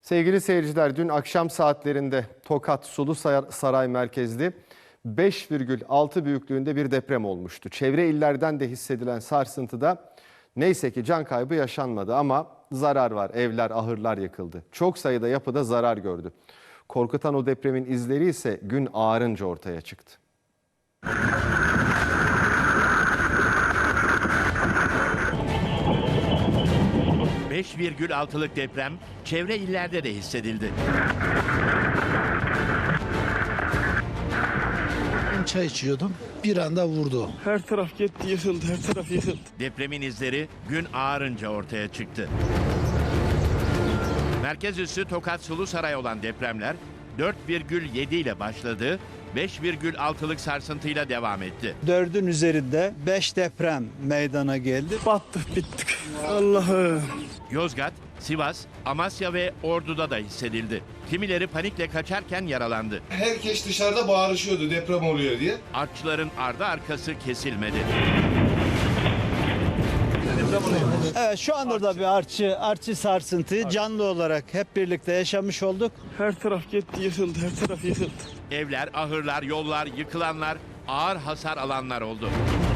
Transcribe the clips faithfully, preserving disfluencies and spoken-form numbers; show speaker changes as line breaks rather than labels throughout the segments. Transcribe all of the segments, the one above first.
Sevgili seyirciler, dün akşam saatlerinde Tokat Sulu Saray merkezli beş virgül altı büyüklüğünde bir deprem olmuştu. Çevre illerden de hissedilen sarsıntıda neyse ki can kaybı yaşanmadı ama zarar var. Evler, ahırlar yıkıldı. Çok sayıda yapıda zarar gördü. Korkutan o depremin izleri ise gün ağarınca ortaya çıktı.
beş virgül altılık deprem çevre illerde de hissedildi.
Ben çay içiyordum. Bir anda vurdu.
Her taraf gitti, yıkıldı, her taraf yıkıldı.
Depremin izleri gün ağarınca ortaya çıktı. Merkez üssü Tokat Sulu Saray olan depremler dört virgül yedi ile başladı, beş virgül altılık sarsıntıyla devam etti.
Dördün üzerinde beş deprem meydana geldi.
Battık, bittik. Allah'ım.
Yozgat, Sivas, Amasya ve Ordu'da da hissedildi. Kimileri panikle kaçarken yaralandı.
Herkes dışarıda bağırışıyordu deprem oluyor diye.
Artçıların ardı arkası kesilmedi.
Evet, şu anda da bir artçı, artçı sarsıntıyı canlı olarak hep birlikte yaşamış olduk.
Her taraf gitti, yıkıldı, her taraf yıkıldı.
Evler, ahırlar, yollar, yıkılanlar, ağır hasar alanlar oldu.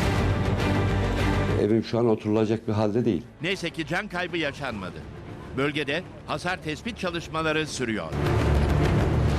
Evim şu an oturulacak bir halde değil.
Neyse ki can kaybı yaşanmadı. Bölgede hasar tespit çalışmaları sürüyor.